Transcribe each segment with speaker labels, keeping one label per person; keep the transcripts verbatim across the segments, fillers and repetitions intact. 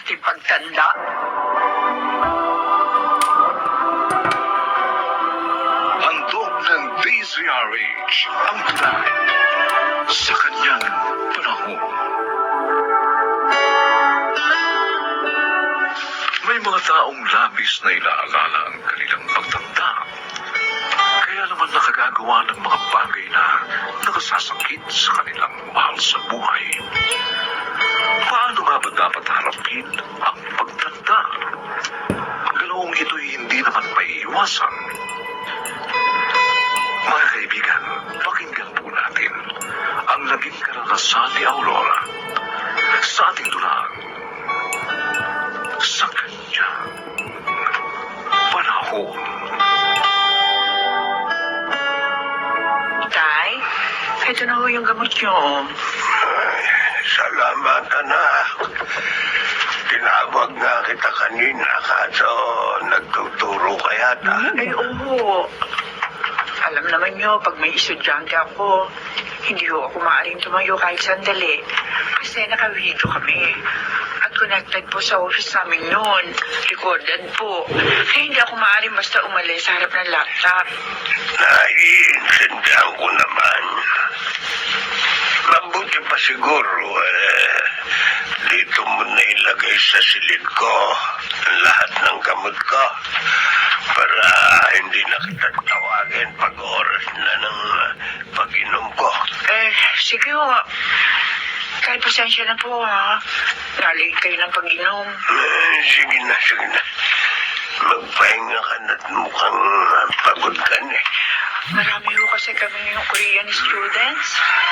Speaker 1: ating pagtanda.
Speaker 2: Handog ng D Z R H ang tulay sa kanyang panahon. May mga taong labis na ilaalala ang kanilang pagtanda. Kaya naman nakagagawa ng mga bagay na nakasasakit sa kanilang mahal sa buhay. Paano nga ba dapat harapin ang pagtanda? Ganoong ito'y hindi naman maiiwasan. Mga kaibigan, pakinggan po natin ang naging karanasan ni Aurora sa ating dulang sa kanyang panahon.
Speaker 1: Tay, ito na ho yung gamot nyo.
Speaker 3: Ay, salamat, anak. Tinawag nga kita kanina, kaso nagtuturo ka yata.
Speaker 1: Ay, oo. Alam naman nyo, pag may estudyante ako, hindi ho ako maaaring tumayo kahit sandali. Kasi naka-video kami. At connected po sa office namin noon. Recorded po. Kaya hindi ako maaaring basta umalis sa harap ng laptop.
Speaker 3: Naiintindihan ko naman. Mabuti pa siguro, eh, dito mo na ilagay sa silid ko ang lahat ng gamot ko para hindi na kita tawagin pag oras na ng uh, pag-inom ko.
Speaker 1: Eh, sige ho. Kahit pasensya na po, ha. Nalate kayo ng pag-inom.
Speaker 3: Eh, sige na, sige na. Magpahinga ka na't mukhang uh, pagod ka na eh.
Speaker 1: Marami ho kasi kami yung Korean students.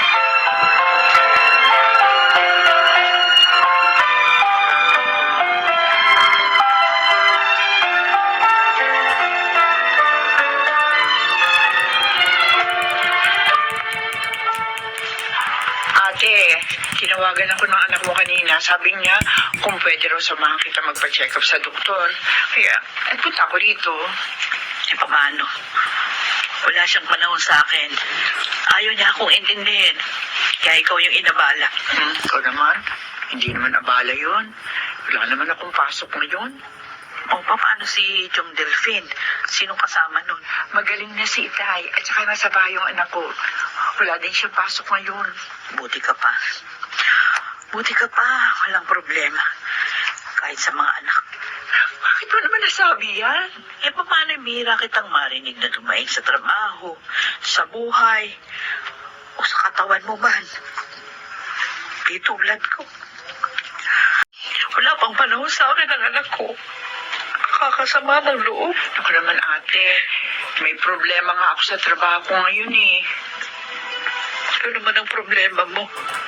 Speaker 1: Ate, tinawagan ako ng anak mo kanina. Sabi niya, kung pwede raw samahan kita magpa-check up sa doktor. Kaya, nagpunta ako dito.
Speaker 4: Eh, paano? Wala siyang panahon sa akin. Ayaw niya akong intindihin. Kaya ikaw yung inabala.
Speaker 1: Hmm, ikaw naman. Hindi naman abala yun. Wala naman akong pasok ngayon.
Speaker 4: O, paano si Chong Delphine? Sinong kasama nun?
Speaker 1: Magaling na si Itay at saka nasa bahay yung anak ko. Wala din siyang pasok ngayon.
Speaker 4: Buti ka pa. Buti ka pa. Walang problema. Kahit sa mga anak.
Speaker 1: Bakit mo naman nasabi yan?
Speaker 4: Eh, paano bihira kitang marinig na dumaing sa trabaho, sa buhay, o sa katawan mo man? Di tulad ko. Wala pang panahon sa akin ang anak ko. Kakasama ng loob.
Speaker 1: Ako naman ate, may problema nga ako sa trabaho ko ngayon eh.
Speaker 4: Ano naman ang problema mo?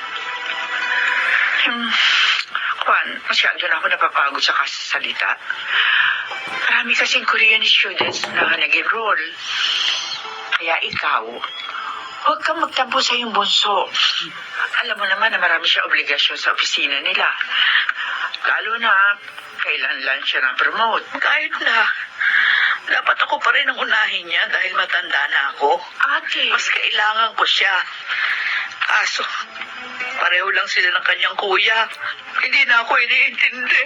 Speaker 1: Hmm, Juan, masyado na ako napapagod sa kasasalita. Marami kasing Korean students na nag-enroll. Kaya ikaw, huwag kang magtampo sa iyong bunso. Alam mo naman na marami siya obligasyon sa opisina nila. Lalo na, kailan lang siya na-promote.
Speaker 4: Kahit na, dapat ako pa rin ang unahin niya dahil matanda na ako.
Speaker 1: Ate,
Speaker 4: Mas kailangan ko siya. Kaso, pareho lang sila ng kanyang kuya. Hindi na ako iniintindi.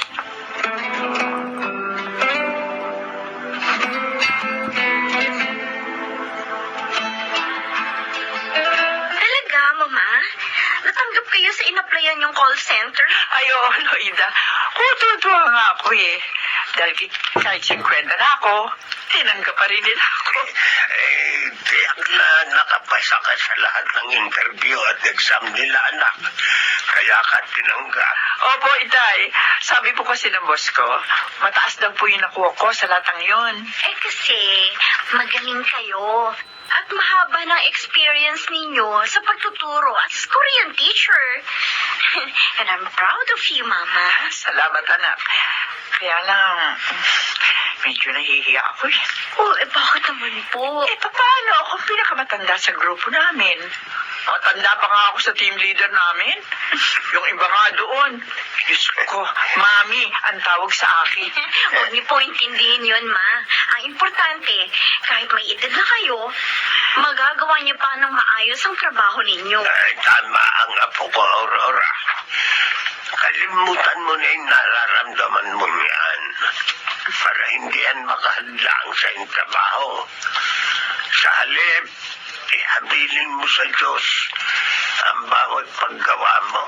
Speaker 5: Talaga, Mama? Natanggap kayo sa inaplayan yung call center?
Speaker 1: Ay, oo, Loida. Kututuwa nga ako eh. Dahil kahit singkwenta na ako, tinanggap pa rin nila ako.
Speaker 3: Eh, tiyak na nakapasa ka sa lahat ng interview at exam nila, anak. Kaya ka tinanggap.
Speaker 1: Opo, Itay. Sabi po kasi ng boss ko, mataas daw po yung nakuha ko sa latang yun.
Speaker 5: Eh kasi, magaling kayo. At mahaba ng experience ninyo sa pagtuturo as Korean teacher. And I'm proud of you, Mama.
Speaker 1: Salamat, anak. Kaya lang, medyo nahihiya ako eh.
Speaker 5: Oh, eh bakit naman po?
Speaker 1: Eh, paano ako pinakamatanda sa grupo namin? Matanda pa nga ako sa team leader namin. Yung iba nga doon. Diyos ko, Mami, ang tawag sa akin.
Speaker 5: Huwag niyo po intindihin yun, Ma. Ang importante, kahit may edad na kayo, magagawa niyo pa ng maayos ang trabaho ninyo.
Speaker 3: Ay, tama ang apo ko, Aurora. kalimutan mo na yung nararamdaman mo yan para hindi yan makahadlang sa iyong trabaho. Sa halip, ihabilin mo sa Diyos ang bawat paggawa mo.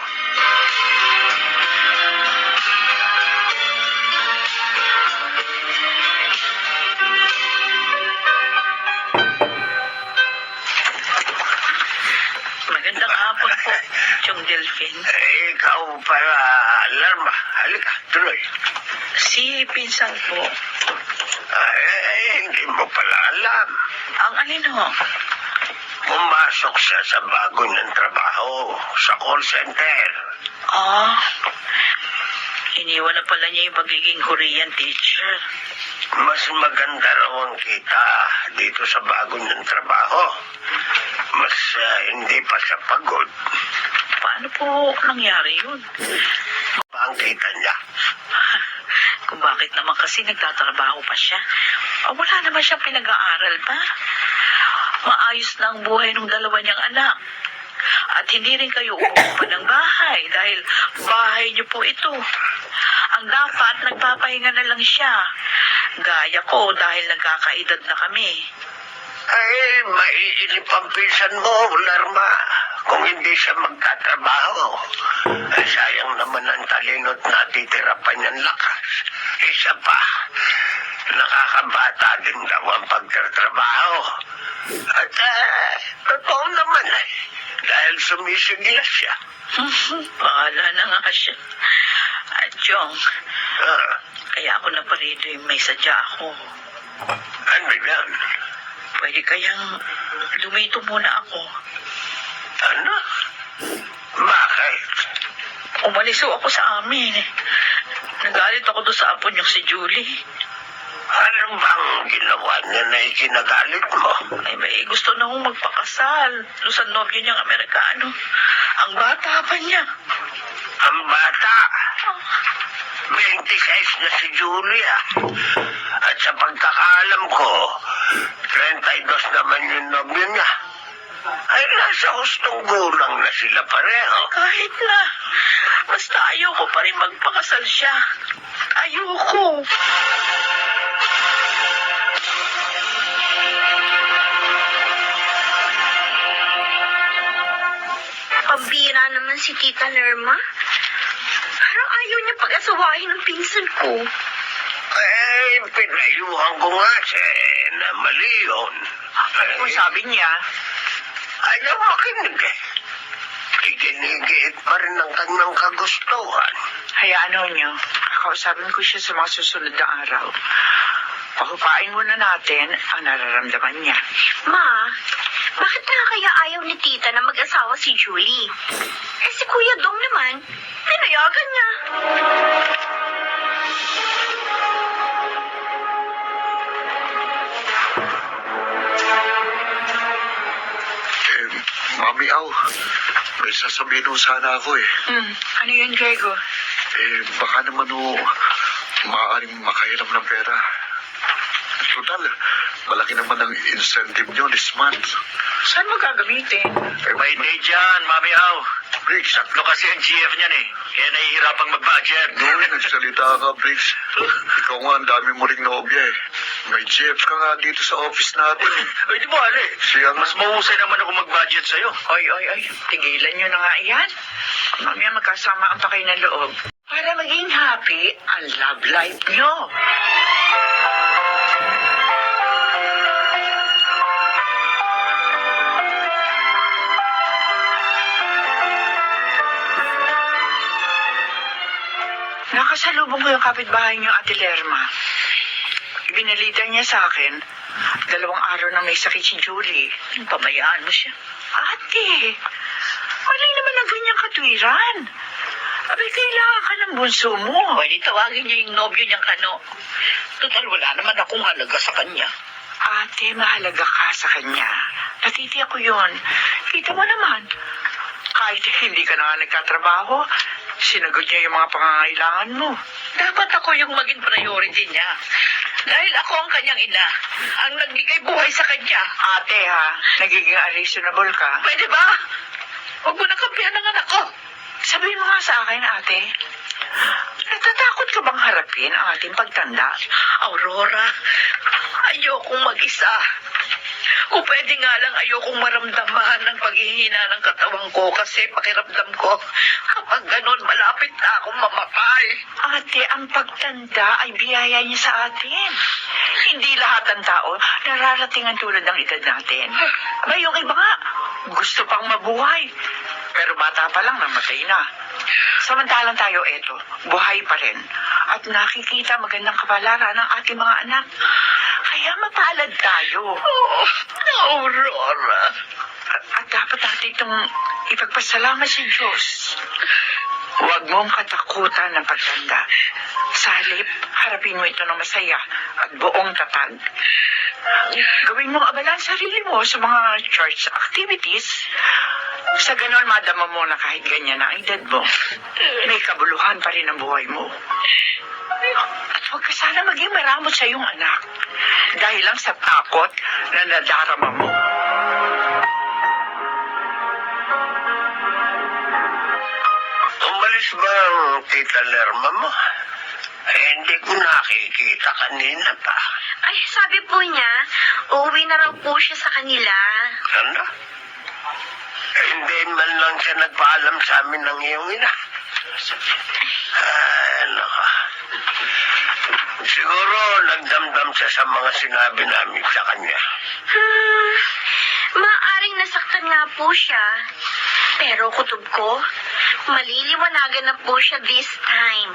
Speaker 4: Magandang hapon po, Chong Delphine.
Speaker 3: Eh, ikaw para alarma. Halika, tuloy.
Speaker 4: Si Pinsan po.
Speaker 3: Ay, eh, hindi mo pala alam.
Speaker 4: Ang alin ho?
Speaker 3: Pumasok siya sa bago niyang trabaho sa call center.
Speaker 4: Ah, iniwan na pala niya yung pagiging Korean teacher.
Speaker 3: Mas maganda raw ang kita dito sa bago niyang trabaho. Mas ah, hindi pa siya pagod.
Speaker 4: Paano po nangyari yun?
Speaker 3: Pa ang kita niya.
Speaker 4: Kung bakit naman kasi nagtatrabaho pa siya. O wala naman siyang pinag-aaral pa. Maayos na ang buhay ng dalawa niyang anak. At hindi rin kayo umuupa ng bahay dahil bahay niyo po ito. Ang dapat, nagpapahinga na lang siya. Gaya ko dahil nagkakaedad na kami.
Speaker 3: Ay, maiinip ang pinsan mo, Larma. Kung hindi siya magtatrabaho. Ay, sayang naman ang talino't natitira pa niyang lakas. Isa pa, nakakabata din daw ang pagtatrabaho. At uh, totoo naman eh. Dahil sumisiglas siya.
Speaker 4: Bahala na nga siya. At Chong,
Speaker 3: Ah,
Speaker 4: kaya ako na parito yung may sadya ako.
Speaker 3: ano yan?
Speaker 4: Pwede kayang lumito muna ako.
Speaker 3: Ano? Bakit?
Speaker 4: Umalis ho ako sa amin. Nagalit ako doon sa apo niyong si Julie.
Speaker 3: Ano bang ginawa niya na ikinagalit mo?
Speaker 4: Ay, may gusto na akong magpakasal. Doon sa nobyo niyang Amerikano. Ang bata pa niya.
Speaker 3: Ang bata. twenty-six na si Julia. At sa pagkakaalam ko, thirty-two naman yung nobyo niya. Ay, nasa hustong gulang na sila pareho.
Speaker 4: Kahit na. Basta ayoko pa rin magpakasal siya. Ayoko.
Speaker 5: Pambira naman si Tita Lerma. Parang ayaw niya pag-asawahin ng pinsan ko.
Speaker 3: Eh, pinayuhan ko nga siya eh, na mali yun.
Speaker 1: Ano kung sabi niya?
Speaker 3: Ayaw makinig eh. Iginigiit pa rin ang kanyang kagustuhan.
Speaker 1: Hayaan ho niyo. Kakausapin ko siya sa mga susunod na araw. Pakupain muna natin ang nararamdaman niya.
Speaker 5: Ma, bakit na kaya ayaw ni Tita na mag-asawa si Julie? Eh si Kuya Dong naman, pinayagan niya.
Speaker 2: Eh, Mami Au, may sasabihin ho sana ako eh.
Speaker 1: Hmm, ano yun, Grego?
Speaker 2: Eh, baka naman ho, maaaring makahiram ng pera. Total, malaki naman ang incentive nyo this month.
Speaker 1: Saan mo gagamitin?
Speaker 2: Eh, may day dyan, Mami Au. Briggs, tatlo kasi ang G F niyan eh. Kaya nahihirapang mag-budget. Noon, nagsalita ka, Briggs. Ikaw nga, ang dami mo ring nobya eh. May G F ka nga dito sa office natin eh. Ay, di ba, Ale? Siya nga. Mas mahusay naman ako mag-budget sa'yo.
Speaker 1: Oy, oy, oy, tigilan niyo na nga yan. Mamaya magkasama ang pakay ng loob. Para maging happy ang love life niyo. Nakasalubong ko yung kapitbahay niyo, Ate Lerma. Ibinalita niya sa akin, dalawang araw na may sakit si Julie.
Speaker 4: Pabayaan mo siya.
Speaker 1: Ate, mali naman ang ganyang katwiran. Abay, kailangan ka ng bunso mo.
Speaker 4: Pwede tawagin niya yung nobyo niyang Kano. Total, wala naman akong halaga sa kanya.
Speaker 1: Ate, mahalaga ka sa kanya. Natitiyak ko yun. Kita mo naman, kahit hindi ka na nga nagkatrabaho, sinagot niya yung mga pangangailangan mo.
Speaker 4: Dapat ako yung maging priority niya. Dahil ako ang kanyang ina, ang nagbigay buhay sa kanya.
Speaker 1: Ate ha, nagiging unreasonable ka.
Speaker 4: Pwede ba? Huwag mo na kampihan ng anak ko.
Speaker 1: Sabihin mo nga sa akin, ate. Natatakot ka bang harapin ang ating pagtanda?
Speaker 4: Aurora, ayokong mag-isa. Kung pwede nga lang ayokong maramdaman ng paghihina ng katawan ko kasi pakiramdam ko kapag ganun malapit na akong mamatay.
Speaker 1: Ate, ang pagtanda ay biyaya niya sa atin. Hindi lahat ng tao nararating ang tulad ng edad natin. Aba, yung iba nga, gusto pang mabuhay. Pero bata pa lang, namatay na. Samantalang tayo eto, buhay pa rin. At nakikita magandang kapalaran ng ating mga anak. Kaya mapalad tayo.
Speaker 4: Oh, Aurora.
Speaker 1: At, at dapat natin itong ipagpasalamat sa Diyos. Huwag mong katakutan ng pagtanda. Sa halip, harapin mo ito ng masaya at buong tatag. Gawin mong abala ang sarili mo sa mga church activities. Sa ganon, madama mo na kahit ganyan na ang edad mo, may kabuluhan pa rin ang buhay mo. At huwag ka sana maging maramot sa iyong anak dahil lang sa takot na nadarama mo.
Speaker 3: Umalis ba ang tita Lerma mo? Eh, hindi ko nakikita kanina pa.
Speaker 5: Ay, sabi po niya, uuwi na raw po siya sa kanila.
Speaker 3: Ano? Eh, hindi man lang siya nagpaalam sa amin ng iyong ina. Ay, naka. Siguro nagdamdam siya sa mga sinabi namin sa kanya.
Speaker 5: Hmm, maaring nasaktan nga po siya. Pero kutob ko, maliliwanagan na po siya this time.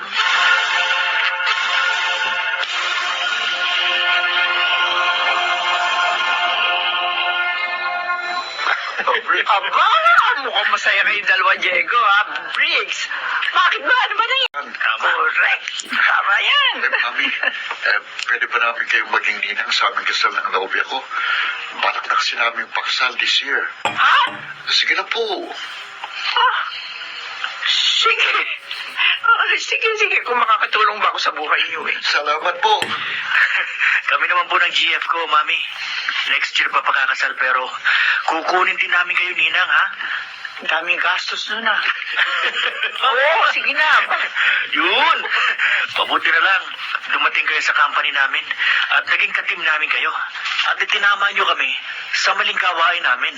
Speaker 1: Aba, mukhang masaya kayo dalawa, Diego, ha? Briggs, bakit ba? Ano ba na yan?
Speaker 3: Tama.
Speaker 1: Correct. Tama yan.
Speaker 2: Eh, Mami, eh, pwede ba namin kayong maging ninang sa aming kasal ng nobya ko? Balak na kasi namin pakasal this year.
Speaker 1: Ha?
Speaker 2: Sige na po.
Speaker 1: Ah, sige. Ah, sige, sige. Kung makakatulong ba ako sa buhay niyo, eh.
Speaker 2: Salamat po.
Speaker 6: Kami naman po ng G F ko, Mami. Next year pa pakakasal pero kukunin din namin kayo, Ninang, ha?
Speaker 1: Ang daming gastos nun, ah. Oo, sige na.
Speaker 6: Yun! Mabuti na lang. Dumating kayo sa company namin at naging katim namin kayo. At itinama nyo kami sa maling gawain namin.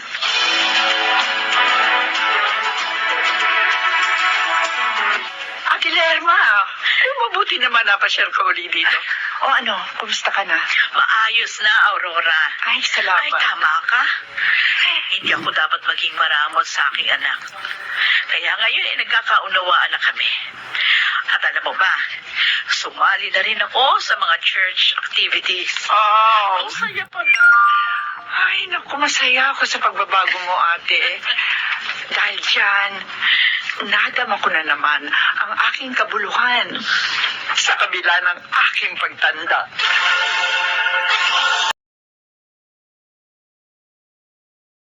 Speaker 1: Ate Lerma, eh, mabuti naman napasyal ka uli dito. O ano, kumusta ka na?
Speaker 4: Maayos na, Aurora.
Speaker 1: Ay, salamat.
Speaker 4: Ay, tama ka. Hindi ako dapat maging maramot sa aking anak. Kaya ngayon eh, nagkakaunawaan na kami. At alam mo ba, sumali na rin ako sa mga church activities.
Speaker 1: Oh,
Speaker 4: Ang saya pala.
Speaker 1: ay, naku, masaya ako sa pagbabago mo, ate. Dahil dyan, nadama ko na naman ang aking kabuluhan sa kabila ng aking pagtanda.